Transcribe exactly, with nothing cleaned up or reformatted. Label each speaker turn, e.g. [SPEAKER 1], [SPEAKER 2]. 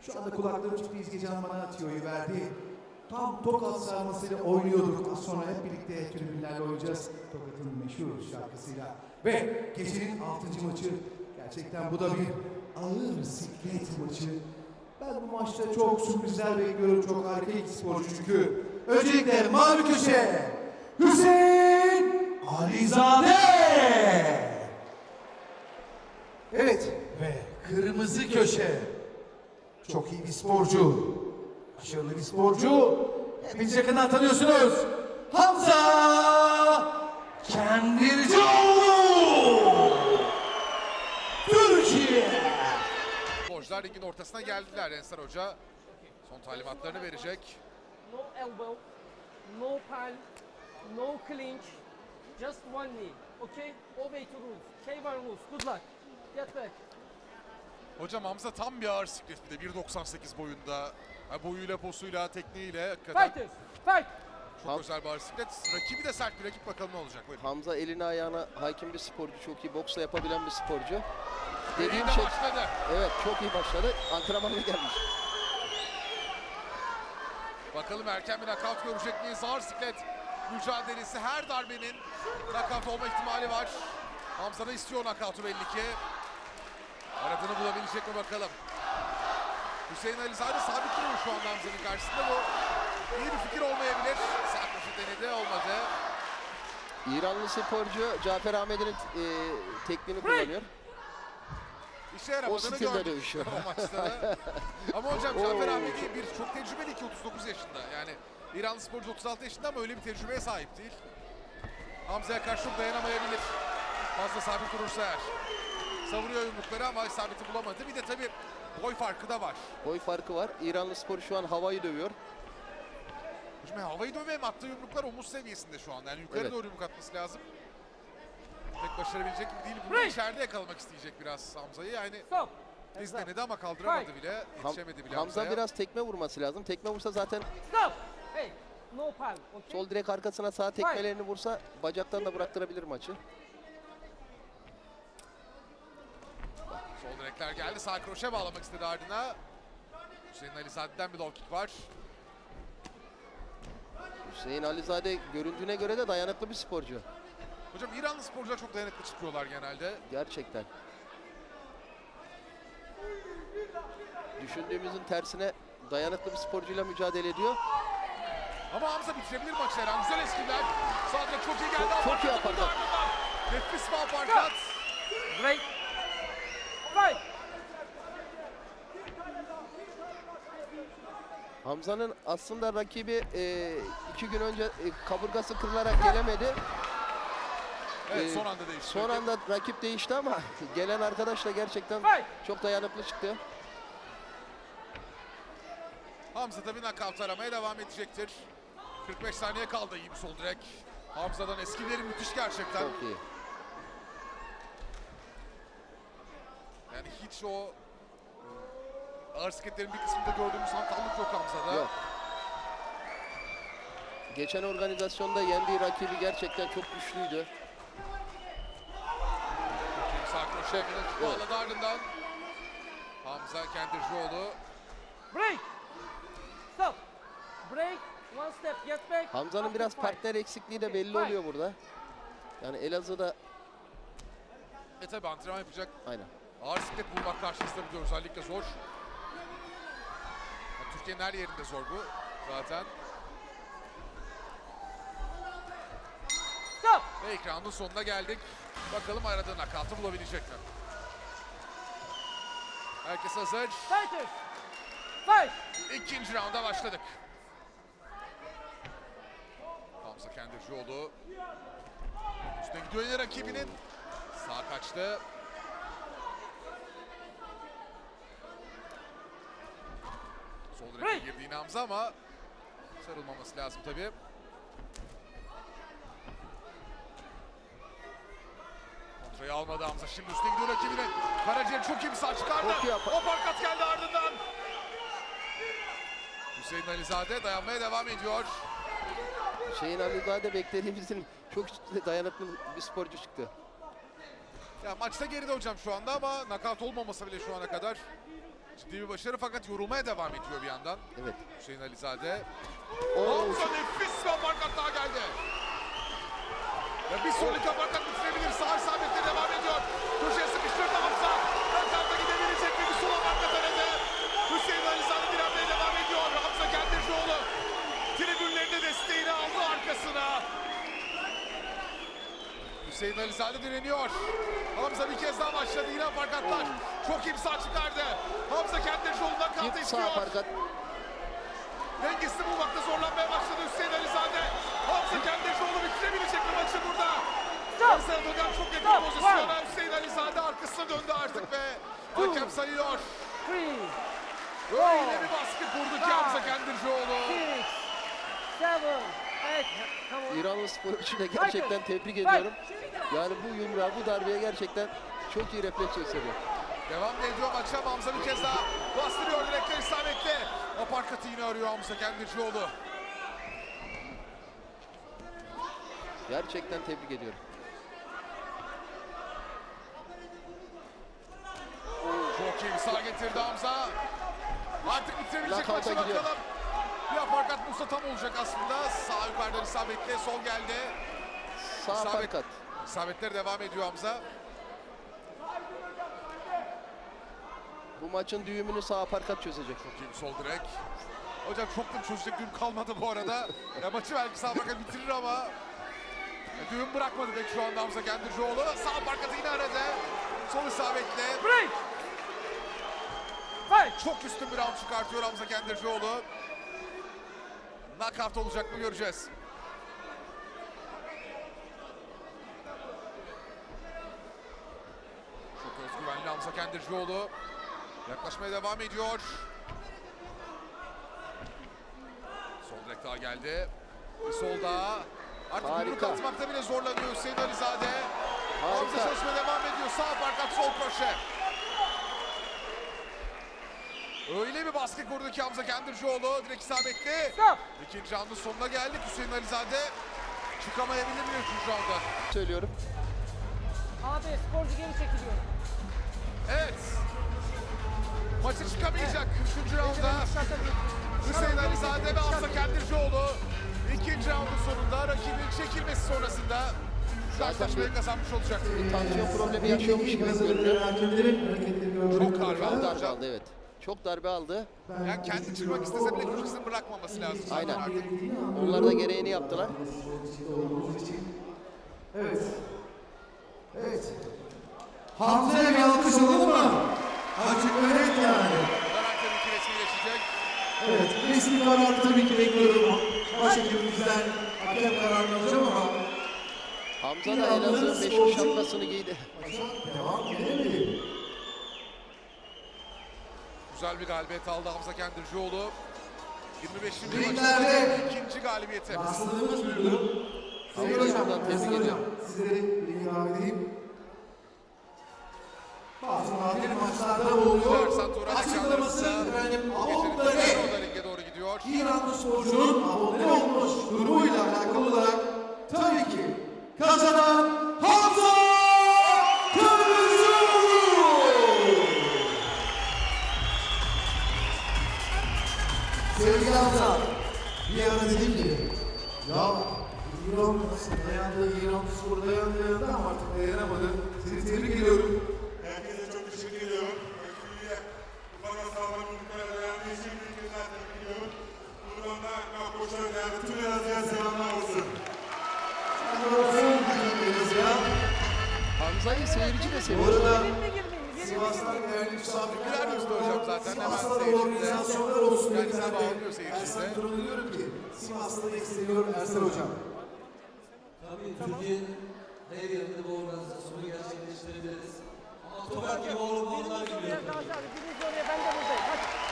[SPEAKER 1] Şu anda kulaklarım çıktı, İzgecan bana tüyoyu verdi. Tam Tokat sarmasıyla oynuyorduk. Az sonra hep birlikte tribünlerle oynayacağız. Tokat'ın meşhur şarkısıyla. Ve gecenin altıncı maçı. Gerçekten bu da bir ağır siklet maçı. Ben bu maçta çok sürprizler bekliyorum. Çok harika iki sporcu çünkü. Öncelikle mavi köşe Hüseyin Alizade. Evet ve kırmızı köşe çok iyi bir sporcu. Başarılı bir sporcu. Hepiniz yakından tanıyorsunuz. Hamza Kendircioğlu. Türkiye.
[SPEAKER 2] Sporcular ligin ortasına geldiler. Ensar Hoca son talimatlarını verecek.
[SPEAKER 3] No elbow, no palm, no clinch, just one knee. Okay? Obey to rules. K one rules. Good luck. Get back.
[SPEAKER 2] Hocam Hamza tam bir ağır siklet, bir de bir doksan sekiz boyunda. Ha, boyuyla, posuyla, tekniğiyle hakikaten
[SPEAKER 3] Fighters, fight.
[SPEAKER 2] çok
[SPEAKER 4] Ham-
[SPEAKER 2] özel bir ağır siklet. Rakibi de sert bir rakip, bakalım ne olacak. Buyurun.
[SPEAKER 4] Hamza eline ayağına hakim bir sporcu, çok iyi boksla yapabilen bir sporcu. Dediğim
[SPEAKER 2] Dediğim
[SPEAKER 4] şey,
[SPEAKER 2] başladı.
[SPEAKER 4] evet çok iyi başladı. Antrenmanına gelmiş.
[SPEAKER 2] Bakalım erken bir nakavt görecek miyiz? Ağır siklet mücadelesi, her darbenin nakavt olma ihtimali var. Hamza da istiyor nakavtı belli ki. Aradığını bulabilecek mi bakalım. Hüseyin Alizade sabit duruyor şu anda Hamza'nın karşısında. Bu iyi bir fikir olmayabilir. Sarkoşu denedi, olmadı.
[SPEAKER 4] İranlı sporcu Cafer Ahmet'in e, tekniğini kullanıyor.
[SPEAKER 2] İşe yaramadığını
[SPEAKER 4] stilde
[SPEAKER 2] gördük
[SPEAKER 4] dövüşüyor.
[SPEAKER 2] o maçta da. Ama hocam Cafer Ahmedi bir çok tecrübeli ki, otuz dokuz yaşında. Yani İranlı sporcu otuz altı yaşında ama öyle bir tecrübeye sahip değil. Hamza'ya karşı çok dayanamayabilir. Fazla sabit durursa eğer. Savuruyor yumrukları ama isabeti bulamadı. Bir de tabii boy farkı da var.
[SPEAKER 4] Boy farkı var. İranlı sporcu şu an havayı dövüyor.
[SPEAKER 2] Hocam havayı dövme hem attığı yumruklar omuz seviyesinde şu anda. Yani yukarı
[SPEAKER 4] Evet.
[SPEAKER 2] doğru yumruk atması lazım. Pek başarabilecek gibi değil. Bunu içeride yakalamak isteyecek biraz Hamza'yı. Yani
[SPEAKER 3] Stop.
[SPEAKER 2] biz denedi ama kaldıramadı bile.
[SPEAKER 4] Ham-
[SPEAKER 2] Yetişemedi bile
[SPEAKER 4] Hamza
[SPEAKER 2] Hamza'ya.
[SPEAKER 4] biraz tekme vurması lazım. Tekme vursa zaten
[SPEAKER 3] Stop. Hey, no palm. Okay?
[SPEAKER 4] sol direk arkasına sağ tekmelerini vursa bacaktan da bıraktırabilir maçı.
[SPEAKER 2] Sol direkler geldi. Sağ kroşe bağlamak istedi ardına. Hüseyin Alizade'den bir low kick var.
[SPEAKER 4] Hüseyin Alizade göründüğüne göre de dayanıklı bir sporcu.
[SPEAKER 2] Hocam İranlı sporcular çok dayanıklı çıkıyorlar genelde.
[SPEAKER 4] Gerçekten. Düşündüğümüzün tersine dayanıklı bir sporcuyla mücadele ediyor.
[SPEAKER 2] Ama Hamza bitirebilir maçı her an. Güzel eskiler. Sağ direk çok iyi geldi.
[SPEAKER 4] Çok- çok iyi
[SPEAKER 2] Aparkat
[SPEAKER 4] aparkat.
[SPEAKER 2] buldu ardından. Nefis bir aparkat.
[SPEAKER 3] Great. Fight.
[SPEAKER 4] Hamza'nın aslında rakibi e, iki gün önce e, kaburgası kırılarak gelemedi.
[SPEAKER 2] Evet,
[SPEAKER 4] Ee,
[SPEAKER 2] son anda değişti.
[SPEAKER 4] Son anda rakip değişti ama gelen arkadaş da gerçekten
[SPEAKER 3] Fight.
[SPEAKER 4] çok dayanıklı çıktı.
[SPEAKER 2] Hamza tabii nakavt aramaya devam edecektir. kırk beş saniye kaldı, iyi bir sol direk. Hamza'dan eskileri müthiş gerçekten.
[SPEAKER 4] Çok iyi.
[SPEAKER 2] Yani hiç o ağır sikletlerin bir kısmında gördüğümüz hantallık yok Hamza'da.
[SPEAKER 4] Yok. Geçen organizasyonda yendiği rakibi gerçekten çok güçlüydü.
[SPEAKER 2] Sağ kroşe bağladı ardından. Hamza Kendircioğlu.
[SPEAKER 3] Break. Stop. Break. One step. Get back.
[SPEAKER 4] Hamza'nın
[SPEAKER 3] After
[SPEAKER 4] biraz
[SPEAKER 3] fight.
[SPEAKER 4] partner eksikliği de
[SPEAKER 3] Okay,
[SPEAKER 4] belli
[SPEAKER 3] fight.
[SPEAKER 4] oluyor burada. Yani Elazığ'da
[SPEAKER 2] E tabi antrenman yapacak.
[SPEAKER 4] aynen.
[SPEAKER 2] Ağır siklet bulmak karşısında bir de özellikle zor. Ya, Türkiye'nin her yerinde zor bu zaten.
[SPEAKER 3] Stop.
[SPEAKER 2] Ve ekranın sonuna geldik. Bakalım aradığı nakavtı bulabilecek mi? Herkes hazır.
[SPEAKER 3] Fighters. Fight.
[SPEAKER 2] İkinci raunda başladık. Hamza Kendircioğlu. Üstüne gidiyor yine rakibinin. Sağ kaçtı. Sol direkte girdi yine Hamza ama sarılmaması lazım tabii. Kontrayı almadı Hamza. Şimdi üstüne gidiyor rakibine. Karaciğer çok iyi bir sağ çıkardı.
[SPEAKER 4] Çok iyi apa-
[SPEAKER 2] O parkat geldi ardından. Hüseyin Alizade dayanmaya devam ediyor.
[SPEAKER 4] Hüseyin Alizade beklediğimizin çok dayanıklı bir sporcu çıktı.
[SPEAKER 2] Ya maçta geride hocam şu anda ama nakavt olmaması bile şu ana kadar Ciddi bir başarı fakat yorulmaya devam ediyor bir yandan.
[SPEAKER 4] Evet.
[SPEAKER 2] Hüseyin Alizade.
[SPEAKER 4] Oo,
[SPEAKER 2] Hamza nefis bir aparkat daha geldi. Ve bir sonraki aparkat bitirebilir. Sağ isabetle devam ediyor. Köşeye sıkıştırdı Hamza. Ön tarafta gidebilecek mi? Bir sol aparkat aradı. Hüseyin Alizade direnmeye devam ediyor. Hamza Kendircioğlu tribünlerinde desteğini aldı arkasına. Hüseyin Alizade direniyor. Hamza bir kez daha başladı. Yine aparkatlar. Çok imza çıkardı. Hamza Kendircioğlu'ndan kaldı
[SPEAKER 4] Çift
[SPEAKER 2] istiyor.
[SPEAKER 4] sağ aparkat.
[SPEAKER 2] Dengesini bulmakta zorlanmaya başladı Hüseyin Alizade. Hamza Kendircioğlu bitirebilecek mi maçı burada? Hamza Erdoğan çok yakın
[SPEAKER 3] Stop.
[SPEAKER 2] pozisyona. Hüseyin Alizade arkasına döndü artık ve hakem sayıyor.
[SPEAKER 3] Three,
[SPEAKER 2] Öyle bir baskı kurdu ki Hamza Kendircioğlu.
[SPEAKER 3] six, seven, eight. Come on.
[SPEAKER 4] İranlı sporcu da gerçekten tebrik ediyorum. Yani bu yumruğa, bu darbeye gerçekten çok iyi refleks gösteriyor.
[SPEAKER 2] Devam ediyor maça. Hamza bir kez daha bastırıyor direkte isabetle. Aparkatı yine arıyor Hamza Kendircioğlu.
[SPEAKER 4] Gerçekten tebrik ediyorum.
[SPEAKER 2] Çok iyi bir sağ getirdi Hamza. Artık bitirebilecek
[SPEAKER 4] Knockout'a
[SPEAKER 2] maçı
[SPEAKER 4] gidiyor.
[SPEAKER 2] bakalım. Bir aparkat bulsa tam olacak aslında. Sağ yukarıdan isabetle sol geldi.
[SPEAKER 4] Sağ
[SPEAKER 2] İsabet-
[SPEAKER 4] aparkat.
[SPEAKER 2] İsabetler devam ediyor Hamza.
[SPEAKER 4] Bu maçın düğümünü sağ aparkat çözecek.
[SPEAKER 2] Çok iyi bir sol direk. Hocam çok da çözecek düğüm kalmadı bu arada. Ya maçı belki sağ aparkat bitirir ama ya düğüm bırakmadı pek şu anda Hamza Kendircioğlu. Sağ aparkatı yine aradı. Sol isabetle.
[SPEAKER 3] Break. Fight.
[SPEAKER 2] Çok üstün bir round çıkartıyor Hamza Kendircioğlu. Knockout olacak mı göreceğiz. Çok özgüvenli Hamza Kendircioğlu. Yaklaşmaya devam ediyor. Sol direkt daha geldi. Bir sol daha. Artık
[SPEAKER 4] Harika.
[SPEAKER 2] yumruk atmakta bile zorlanıyor Hüseyin Alizade. Hamza
[SPEAKER 4] Harika.
[SPEAKER 2] çalışmaya devam ediyor. Sağ aparkat, sol kroşe. Öyle bir baskı kurdu ki Hamza Kendircioğlu. Direkt isabetli.
[SPEAKER 3] Stop.
[SPEAKER 2] İkinci roundun sonuna geldik. Hüseyin Alizade çıkamayabilir mi üçüncü rounda?
[SPEAKER 4] Söylüyorum.
[SPEAKER 3] Abi sporcu geri çekiliyor.
[SPEAKER 2] Evet. Maçı çıkamayacak üçüncü rounda. Hüseyin Alizade ve Hamza Kendircioğlu ikinci roundun sonunda rakibin çekilmesi sonrasında karşılaşmayı kazanmış olacak.
[SPEAKER 4] Bir tansiyon problemi yaşıyormuş gibi görünüyor.
[SPEAKER 2] Çok darbe
[SPEAKER 4] Çok
[SPEAKER 2] aldı
[SPEAKER 4] darbe
[SPEAKER 2] hocam.
[SPEAKER 4] aldı, evet. Çok darbe aldı.
[SPEAKER 2] Yani kendi çıkmak istese bile köşesini bırakmaması lazım. zaten
[SPEAKER 4] Aynen.
[SPEAKER 2] artık.
[SPEAKER 4] Onlar da gereğini yaptılar.
[SPEAKER 1] Evet. Evet. Hamza'ya bir alkış alalım mı? Açık ve net yani.
[SPEAKER 2] Karar tabii ki resmileşecek.
[SPEAKER 1] Evet, resmi kararı tabii ki bekliyorum. Başhekimimizden hakem kararını alacağım ama
[SPEAKER 4] Hamza da Elazığ'ın meşhur şapkasını giydi.
[SPEAKER 1] devam edemedi.
[SPEAKER 2] Güzel bir galibiyet aldı Hamza Kendircioğlu. yirmi beşinci
[SPEAKER 1] Ringlerde
[SPEAKER 2] maçında ikinci galibiyeti.
[SPEAKER 1] rastladığımız bir durum. Sayın
[SPEAKER 4] Hamza'yı
[SPEAKER 1] Hocam,
[SPEAKER 4] buradan tebrik
[SPEAKER 1] Sayın Hocam,
[SPEAKER 4] ediyorum.
[SPEAKER 1] sizleri ringe davet edeyim. Bazı nadir maçlarda oluyor.
[SPEAKER 2] Ersan Turan
[SPEAKER 1] Açıklaması
[SPEAKER 2] ekranlarımızda
[SPEAKER 1] efendim
[SPEAKER 2] gecenin
[SPEAKER 1] avukları
[SPEAKER 2] tekrar o da ringe doğru gidiyor.
[SPEAKER 1] İranlı sporcunun abone olmuş durumuyla alakalı olarak tabii ki kazanan Hamza Kendircioğlu. Sevgili Hamza, bir ara dedim ki ya İran dayandı, İran spor dayandı, dayandı ama artık dayanamadı. Seni tebrik ediyorum.
[SPEAKER 5] Herkese çok teşekkür ediyorum. Rakibine ufak hataların bu kadar dayandığı için bir kez daha tebrik ediyorum. Buradan da Nakkoş'a değerli tüm Elazığ'a selamlar olsun.
[SPEAKER 4] Hamza'yı seyirci de
[SPEAKER 1] Bu
[SPEAKER 4] seviyor.
[SPEAKER 1] arada
[SPEAKER 3] Girme girmeyin. Girme
[SPEAKER 1] Sivas'tan
[SPEAKER 3] girmeyin.
[SPEAKER 1] değerli misafirler
[SPEAKER 2] Güler yüzlü hocam zaten, hemen
[SPEAKER 1] Sivas'ta da
[SPEAKER 2] seyircide.
[SPEAKER 1] organizasyonlar olsun
[SPEAKER 2] Kendisine
[SPEAKER 1] dediler de
[SPEAKER 2] bağlanıyor seyircide.
[SPEAKER 1] Ersan Turan'a diyorum ki Sivas'ta da isteniyor Ersan Hocam.
[SPEAKER 6] Tabii Türkiye'nin her yerinde bu organizasyonu gerçekleştirebiliriz. Ama Tokak gibi olmalar
[SPEAKER 3] Biriniz
[SPEAKER 6] gibi.
[SPEAKER 3] oraya Gazi abi. Biriniz oraya ben de buradayım. Hadi.